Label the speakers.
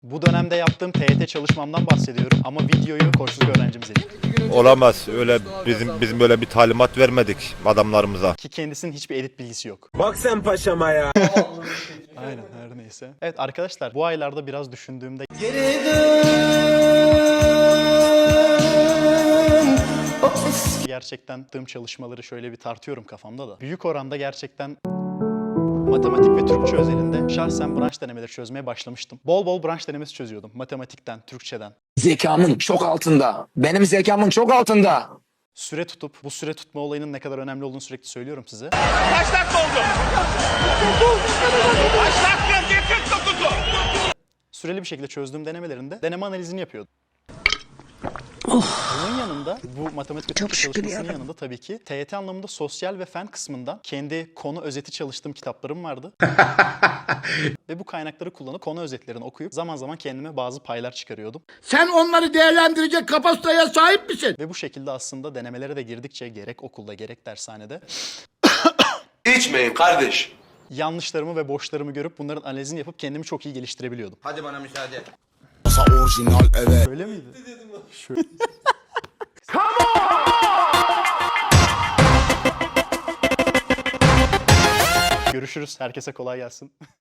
Speaker 1: Bu dönemde yaptığım TYT çalışmamdan bahsediyorum ama videoyu koçluk öğrencimiz edin.
Speaker 2: Olamaz. Öyle bizim böyle bir talimat vermedik adamlarımıza.
Speaker 1: Ki kendisinin hiçbir edit bilgisi yok.
Speaker 3: Bak sen paşama ya.
Speaker 1: Aynen, her neyse. Evet arkadaşlar, bu aylarda biraz düşündüğümde gerçekten yaptığım çalışmaları şöyle bir tartıyorum kafamda da. Büyük oranda gerçekten matematik ve Türkçe özelinde şahsen branş denemeleri çözmeye başlamıştım. Bol bol branş denemesi çözüyordum. Matematikten, Türkçeden.
Speaker 4: Zekamın çok altında. Benim zekamın çok altında.
Speaker 1: Süre tutup, bu süre tutma olayının ne kadar önemli olduğunu sürekli söylüyorum size.
Speaker 5: Kaç dakika oldu? Kaç dakika? Ne 49'u?
Speaker 1: Süreli bir şekilde çözdüğüm denemelerinde deneme analizini yapıyordum. Bunun yanında, bu matematik ve Türkçe çalışmasının yanında tabii ki TYT anlamında sosyal ve fen kısmından kendi konu özeti çalıştığım kitaplarım vardı. Ve bu kaynakları kullanıp konu özetlerini okuyup zaman zaman kendime bazı paylar çıkarıyordum.
Speaker 6: Sen onları değerlendirecek kapasiteye sahip misin?
Speaker 1: Ve bu şekilde aslında denemelere de girdikçe gerek okulda gerek dershanede
Speaker 3: İçmeyin kardeş.
Speaker 1: yanlışlarımı ve boşlarımı görüp bunların analizini yapıp kendimi çok iyi geliştirebiliyordum.
Speaker 3: Hadi bana müsaade.
Speaker 1: Öyle miydi? Görüşürüz. Herkese kolay gelsin.